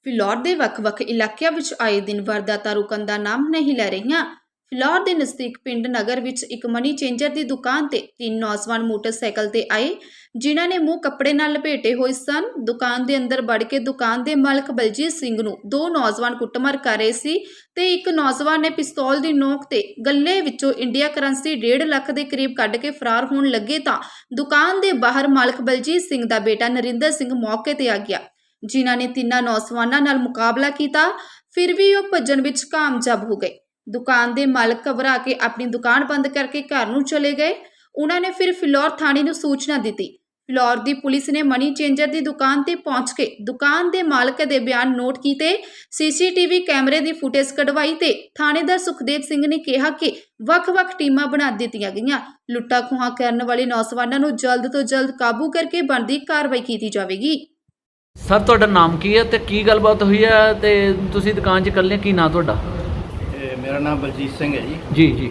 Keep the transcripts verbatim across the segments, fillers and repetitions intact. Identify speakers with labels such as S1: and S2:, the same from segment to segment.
S1: ਫਿਲੌਰ ਦੇ ਵੱਖ-ਵੱਖ ਇਲਾਕਿਆਂ ਵਿੱਚ ਆਏ ਦਿਨ ਵਾਰਦਾਤਾਂ ਰੁਕਣ ਦਾ ਨਾਮ ਨਹੀਂ ਲੈ ਰਹੀਆਂ। ਫਿਲੌਰ ਦੇ ਨਜ਼ਦੀਕ ਪਿੰਡ ਨਗਰ ਵਿੱਚ ਇੱਕ ਮਨੀ ਚੇਂਜਰ ਦੀ ਦੁਕਾਨ ਤੇ ਤਿੰਨ ਨੌਜਵਾਨ ਮੋਟਰਸਾਈਕਲ ਤੇ ਆਏ, ਜਿਨ੍ਹਾਂ ਨੇ ਮੂੰਹ ਕੱਪੜੇ ਨਾਲ ਲਪੇਟੇ ਹੋਏ ਸਨ। ਦੁਕਾਨ ਦੇ ਅੰਦਰ ਵੜ ਕੇ ਦੁਕਾਨ ਦੇ ਮਾਲਕ ਬਲਜੀਤ ਸਿੰਘ ਨੂੰ ਦੋ ਨੌਜਵਾਨ ਕੁੱਟਮਾਰ ਕਰ ਰਹੇ ਸੀ ਤੇ ਇੱਕ ਨੌਜਵਾਨ ਨੇ ਪਿਸਤੌਲ ਦੀ ਨੋਕ ਤੇ ਗੱਲੇ ਵਿੱਚੋਂ ਇੰਡੀਆ ਕਰੰਸੀ ਡੇਢ ਲੱਖ ਦੇ ਕਰੀਬ ਕੱਢ ਕੇ ਫਰਾਰ ਹੋਣ ਲੱਗੇ ਤਾਂ ਦੁਕਾਨ ਦੇ ਬਾਹਰ ਮਾਲਕ ਬਲਜੀਤ ਸਿੰਘ ਦਾ ਬੇਟਾ ਨਰਿੰਦਰ ਸਿੰਘ ਮੌਕੇ ਤੇ ਆ ਗਿਆ, ਜਿਨ੍ਹਾਂ ਨੇ ਤਿੰਨਾਂ ਨੌਜਵਾਨਾਂ ਨਾਲ ਮੁਕਾਬਲਾ ਕੀਤਾ। ਫਿਰ ਵੀ ਉਹ ਭੱਜਣ ਵਿੱਚ ਕਾਮਯਾਬ ਹੋ ਗਏ। ਦੁਕਾਨ ਦੇ ਮਾਲਕ ਘਬਰਾ ਕੇ ਆਪਣੀ ਦੁਕਾਨ ਬੰਦ ਕਰਕੇ ਘਰ ਨੂੰ ਚਲੇ ਗਏ। ਉਹਨਾਂ ਨੇ ਫਿਰ ਫਿਲੌਰ ਥਾਣੇ ਨੂੰ ਸੂਚਨਾ ਦਿੱਤੀ। ਫਿਲੌਰ ਦੀ ਪੁਲਿਸ ਨੇ ਮਨੀ ਚੇਂਜਰ ਦੀ ਦੁਕਾਨ ਤੇ ਪਹੁੰਚ ਕੇ ਦੁਕਾਨ ਦੇ ਮਾਲਕ ਦੇ ਬਿਆਨ ਨੋਟ ਕੀਤੇ, ਸੀਸੀਟੀਵੀ ਕੈਮਰੇ ਦੀ ਫੁਟੇਜ ਕਢਵਾਈ ਤੇ ਥਾਣੇਦਾਰ ਸੁਖਦੇਵ ਸਿੰਘ ਨੇ ਕਿਹਾ ਕਿ ਵੱਖ-ਵੱਖ ਟੀਮਾਂ ਬਣਾ ਦਿੱਤੀਆਂ ਗਈਆਂ। ਲੁੱਟਾਂ ਖੋਹਾਂ ਕਰਨ ਵਾਲੇ ਨੌਜਵਾਨਾਂ ਨੂੰ ਜਲਦ ਤੋਂ ਜਲਦ ਕਾਬੂ ਕਰਕੇ ਬਣਦੀ ਕਾਰਵਾਈ ਕੀਤੀ ਜਾਵੇਗੀ।
S2: ਸਰ ਤੁਹਾਡਾ ਨਾਮ ਕੀ ਹੈ ਤੇ ਕੀ ਗੱਲਬਾਤ ਹੋਈ ਹੈ ਤੇ ਤੁਸੀਂ ਦੁਕਾਨ 'ਚ ਇਕੱਲੇ, ਕੀ ਨਾਂ ਤੁਹਾਡਾ?
S3: ਮੇਰਾ ਨਾਮ ਬਲਜੀਤ ਸਿੰਘ ਹੈ ਜੀ।
S2: ਜੀ ਜੀ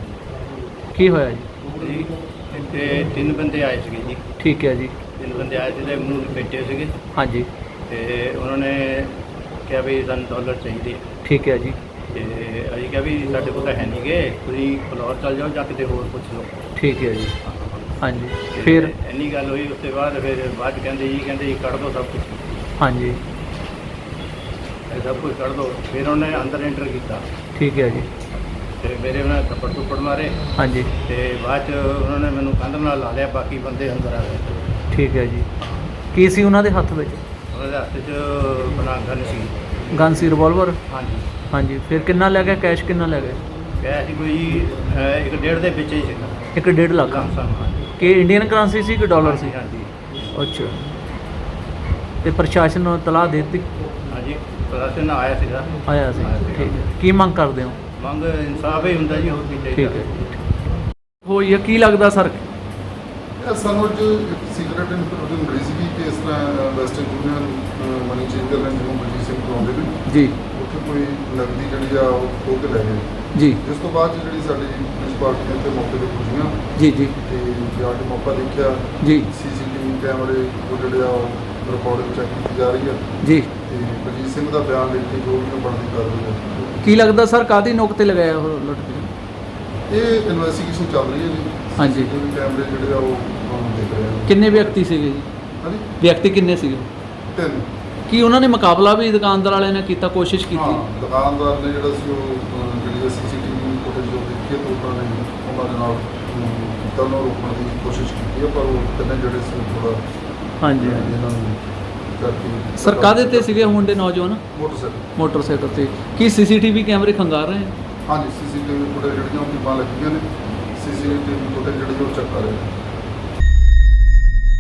S2: ਕੀ ਹੋਇਆ ਜੀ?
S3: ਜੀ ਤੇ ਤਿੰਨ ਬੰਦੇ ਆਏ ਸੀਗੇ ਜੀ।
S2: ਠੀਕ ਹੈ ਜੀ।
S3: ਤਿੰਨ ਬੰਦੇ ਆਏ ਸੀ ਤੇ ਮੂੰਹ ਲਪੇਟੇ ਸੀਗੇ
S2: ਹਾਂਜੀ।
S3: ਤੇ ਉਹਨਾਂ ਨੇ ਕਿਹਾ ਵੀ ਸਾਨੂੰ ਡਾਲਰ ਚਾਹੀਦੇ।
S2: ਠੀਕ ਹੈ ਜੀ।
S3: ਤੇ ਅਸੀਂ ਕਿਹਾ ਵੀ ਸਾਡੇ ਕੋਲ ਤਾਂ ਹੈ ਨਹੀਂ ਗੇ, ਤੁਸੀਂ ਫਲੋਰ ਚੱਲ ਜਾਓ ਜਾਂ ਕਿਤੇ ਹੋਰ ਪੁੱਛ ਲਓ।
S2: ਠੀਕ ਹੈ ਜੀ। ਹਾਂਜੀ।
S3: ਤੇ
S2: ਫਿਰ
S3: ਇੰਨੀ ਗੱਲ ਹੋਈ। ਉਸ ਤੋਂ ਬਾਅਦ ਫਿਰ ਬਾਅਦ 'ਚ ਕਹਿੰਦੇ ਜੀ ਕਹਿੰਦੇ ਜੀ ਕੱਢ ਦਿਓ ਸਭ ਕੁਝ।
S2: ਹਾਂਜੀ।
S3: ਇਹ ਸਭ ਕੁਝ ਕੱਢ ਦਿਓ। ਫਿਰ ਉਹਨੇ ਅੰਦਰ ਐਂਟਰ ਕੀਤਾ।
S2: ਠੀਕ ਹੈ ਜੀ।
S3: ਤੇ ਮੇਰੇ ਉਹਨਾਂ ਨੇ ਥੱਪੜ ਥੁੱਪੜ ਮਾਰੇ।
S2: ਹਾਂਜੀ।
S3: ਤੇ ਬਾਅਦ 'ਚ ਉਹਨਾਂ ਨੇ ਮੈਨੂੰ ਕੰਧ ਨਾਲ ਲਾ ਲਿਆ, ਬਾਕੀ ਬੰਦੇ ਅੰਦਰ ਆ ਗਏ।
S2: ਠੀਕ ਹੈ ਜੀ। ਕੀ ਸੀ ਉਹਨਾਂ ਦੇ ਹੱਥ ਵਿੱਚ?
S3: ਉਹਨਾਂ ਦੇ ਹੱਥ 'ਚ ਬਣਾ ਗਨ ਸੀ।
S2: ਗਨ ਸੀ, ਰਿਵਾਲਵਰ?
S3: ਹਾਂਜੀ।
S2: ਹਾਂਜੀ। ਫਿਰ ਕਿੰਨਾ ਲੈ ਗਿਆ? ਕੈਸ਼ ਕਿੰਨਾ ਲੈ ਗਏ?
S3: ਕੈਸ਼ ਕੋਈ ਅਹ, ਇੱਕ ਡੇਢ ਦੇ ਵਿੱਚ ਹੀ ਸੀਗਾ।
S2: ਇੱਕ ਡੇਢ ਲੱਖ?
S3: ਲਮਸਮ, ਹਾਂਜੀ।
S2: ਕਿ ਇੰਡੀਅਨ ਕਰੰਸੀ ਸੀ ਕਿ ਡਾਲਰ ਸੀ?
S3: ਹਾਂਜੀ।
S2: ਅੱਛਾ। ਤੇ ਪ੍ਰਸ਼ਾਸਨ ਨੂੰ ਤਲਾਹ ਦੇ ਦਿੱਤੀ?
S3: ਹਾਂਜੀ, ਪ੍ਰਸ਼ਾਸਨ ਆਇਆ ਸੀਗਾ।
S2: ਆਇਆ ਸੀ। ਠੀਕ ਹੈ। ਕੀ ਮੰਗ ਕਰਦੇ ਹੋ?
S3: ਮੰਗ ਇਨਸਾਫ ਹੀ ਹੁੰਦਾ ਜੀ, ਹੋਰ ਕੀ ਚਾਹੀਦਾ।
S2: ਠੀਕ ਹੈ। ਹੋਈ ਹੈ, ਕੀ ਲੱਗਦਾ ਸਰ?
S4: ਇਹ ਸਾਨੂੰ ਅੱਜ ਸੀਕ੍ਰੇਟ ਇਨਫੋਰਮੇਸ਼ਨ ਮਿਲੀ ਸੀ ਕਿ ਇਸ ਤਰ੍ਹਾਂ ਵੈਸਟਰਨ ਯੂਨੀਅਨ ਮਨੀ ਚੇਂਜਰ ਨੇ ਜਿਹਨੂੰ ਬਲਜੀਤ ਸਿੰਘ ਬੁਲਾਉਂਦੇ ਨੇ
S2: ਜੀ,
S4: ਉੱਥੇ ਕੋਈ ਨਕਦੀ ਜਿਹੜੀ ਆ ਉਹ ਖੋਹ ਕੇ ਲੈ ਗਏ
S2: ਜੀ।
S4: ਜਿਸ ਤੋਂ ਬਾਅਦ 'ਚ ਜਿਹੜੀ ਸਾਡੀ ਪੁਲਿਸ ਪਾਰਟੀ ਨੇ ਇੱਥੇ ਮੌਕੇ 'ਤੇ ਪੁੱਜੀਆਂ
S2: ਜੀ ਜੀ
S4: ਤੇ ਜਾ ਕੇ ਮੌਕਾ ਦੇਖਿਆ।
S2: ਜੀ।
S4: ਸੀਸੀਟੀਵੀ ਕੈਮਰੇ ਉਹ ਜਿਹੜੇ ਆ ਉਹ ਰਿਕਾਰਡਿੰਗ ਚੈੱਕ ਕੀਤੀ ਜਾ ਰਹੀ ਆ
S2: ਜੀ।
S4: ਤੇ ਬਲਜੀਤ ਸਿੰਘ ਦਾ ਬਿਆਨ ਲਿਖ ਕੇ ਜੋ ਵੀ ਉਹ ਬਣਦੀ ਕਾਰਵਾਈ ਹੈ।
S2: ਕੀ ਲੱਗਦਾ ਸਰ ਕਾਹਦੀ ਨੋਕ ਤੇ ਲਗਾਇਆ ਉਹ ਲੁੱਟ ਕੇ?
S4: ਇਹ ਇਨਵੈਸਟੀਗੇਸ਼ਨ ਚੱਲ ਰਹੀ ਹੈ ਜੀ।
S2: ਹਾਂਜੀ।
S4: ਸੀਸੀਟੀਵੀ ਕੈਮਰੇ ਜਿਹੜੇ ਆ ਉਹ ਹੁਣ ਦੇਖ ਰਹੇ ਆ।
S2: ਕਿੰਨੇ ਵਿਅਕਤੀ ਸੀਗੇ ਜੀ?
S4: ਹਾਂਜੀ,
S2: ਵਿਅਕਤੀ ਕਿੰਨੇ ਸੀਗੇ?
S4: ਤਿੰਨ।
S2: ਕੀ ਉਹਨਾਂ ਨੇ ਮੁਕਾਬਲਾ ਵੀ ਦੁਕਾਨਦਾਰ ਵਾਲਿਆਂ ਨੇ ਕੀਤਾ, ਕੋਸ਼ਿਸ਼ ਕੀਤੀ?
S4: ਹਾਂ, ਦੁਕਾਨਦਾਰ ਨੇ ਜਿਹੜਾ ਸੀ ਉਹ ਅਹ, ਜਿਹੜੀ ਸੀਸੀਟੀਵੀ ਫੁਟੇਜ ਜੋ ਦੇਖੀ ਤਾਂ ਉਹਨਾਂ ਨੇ ਉਹਨਾਂ ਦੇ ਨਾਲ ਕੀਤਾ, ਉਹਨੂੰ ਰੋਕਣ ਦੀ ਕੋਸ਼ਿਸ਼ ਕੀਤੀ ਹੈ, ਪਰ ਉਹ ਤਿੰਨੇ ਜਿਹੜੇ ਸੀ ਥੋੜਾ
S2: ਹਾਂਜੀ।
S4: ਇਹਨਾਂ ਨੂੰ ਕਰਕੇ
S2: ਸਰ ਕਾਹਦੇ ਤੇ ਸੀਗੇ ਮੁੰਡੇ ਨੌਜਵਾਨ?
S4: ਮੋਟਰਸਾਈਕਲ।
S2: ਮੋਟਰਸਾਈਕਲ ਤੇ। ਕੀ ਸੀਸੀਟੀਵੀ ਕੈਮਰੇ ਖੰਗਾਰ ਰਹੇ ਹੈ?
S4: ਹਾਂਜੀ, ਸੀਸੀਟੀਵੀ ਫੁਟੇਜ ਜਿਹੜੀਆਂ ਉਹ ਟੀਮਾਂ ਲੱਗੀਆਂ ਨੇ, ਸੀਸੀਟੀਵੀ ਫੁਟੇਜ ਜਿਹੜੀ ਉਹ ਚੈੱਕ ਕਰ ਰਹੇ ਨੇ।